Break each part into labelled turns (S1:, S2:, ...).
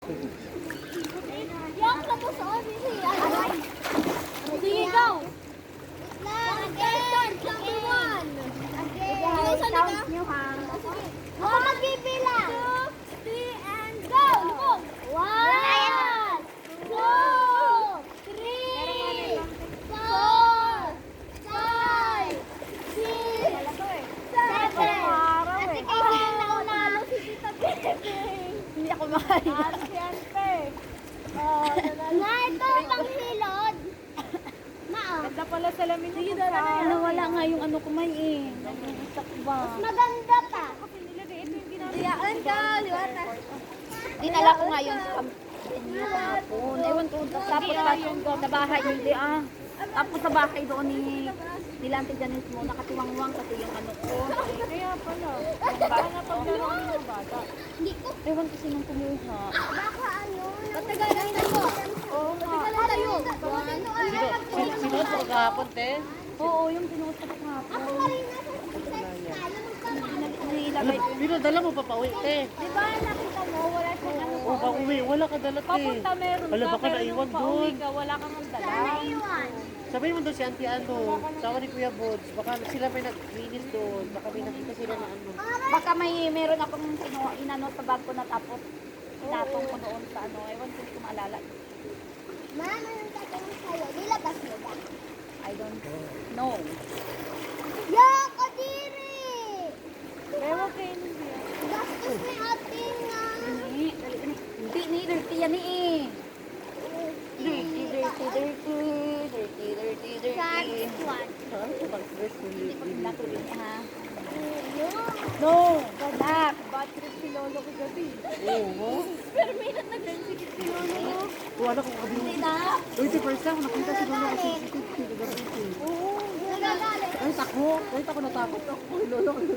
S1: Yang tapos on siya. Sige, go. Again, number one. Again. Count nyo ha. Ako magbibilang. 2, 3, and go. Lumog. 1, 2, 3, 4, 5, 6, 7. Ate kayo naunalo si Tita Bebeng.
S2: Hindi ako makaya.
S1: Siyempre. Nga ito, panghilod.
S2: Ganda pala salamin mo. Nawala nga yung ano ko may eh. Nag-iisak ba?
S1: Maganda pa.
S2: Diyaan ka, liwata. Dinala ko nga yun sa hapon. Ewan ko, tapos sa bahay, hindi ah. Tapos sa bahay doon ni Nilante Janice mo, nakatiwangwang kasi yung ano ko. Kaya pala. Baka nga paglaruan ng bata.
S1: Hindi ko.
S2: Ewan kasi nung kumuha.
S1: Baka ano. Patagalan tayo. Oo nga. Patagalan tayo.
S3: Sinuot ko kahapon, te.
S2: Oo, yung sinuot ko kahapon.
S1: Ako nga rin nasa exercise tayo.
S2: Nilagay ko.
S3: Pinadala mo pa pauwi, te.
S1: Di ba nakita mo, wala siyang ano.
S3: O, pauwi. Wala ka dala, te.
S2: Papunta meron
S3: Wala,
S2: ka,
S3: baka
S2: pero
S3: naiwan
S2: nung pauwi
S3: doon.
S2: ka, wala kang dala.
S1: Naiwan.
S3: Sabihin mo doon si Auntie ano, sama ni Kuya Bods. Baka sila may nag-finish doon. Baka may nakita sila na ano.
S2: Baka meron akong inano sa bag ko na tapos inatong ko doon sa ano. Ewan ko, hindi ko maalala.
S1: Mama, nang tatanong sa'yo, nilabas mo ba?
S2: I don't know.
S1: Yak, kadiri!
S2: Ewan kayo hindi.
S1: Gastos ni ate nga.
S2: Hindi ni dirty yan eh. Dirty.
S1: One.
S3: Saan ko mag-dress
S2: Hindi ko pinato din ha.
S1: No.
S2: No, galak. Bad trip si Lolo ko gabi.
S3: Oo.
S2: Pero may nag-rensikit si Lolo.
S3: Wala ko kabili.
S2: Hindi na.
S3: Uy, si first time, nakita si Lolo kasi si
S1: Oo, nagagalit.
S3: Kahit ako natakot ako. Uy, Lolo ko.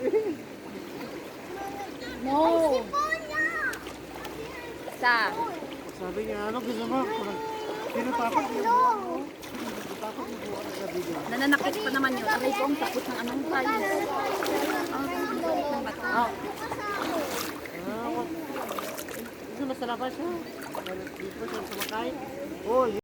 S2: No.
S1: Sipon niya!
S2: Isa.
S3: Sabi niya, ano gusto mo? Pinatakot niya.
S1: No.
S3: Pinatakot niya buwan na gabi.
S2: Nananakit pa naman yun. Aray ko ang takot ng anong tayo. Ng bato.
S3: Ah, gusto mo sa labas siya? Dito siya sumakay. Oh,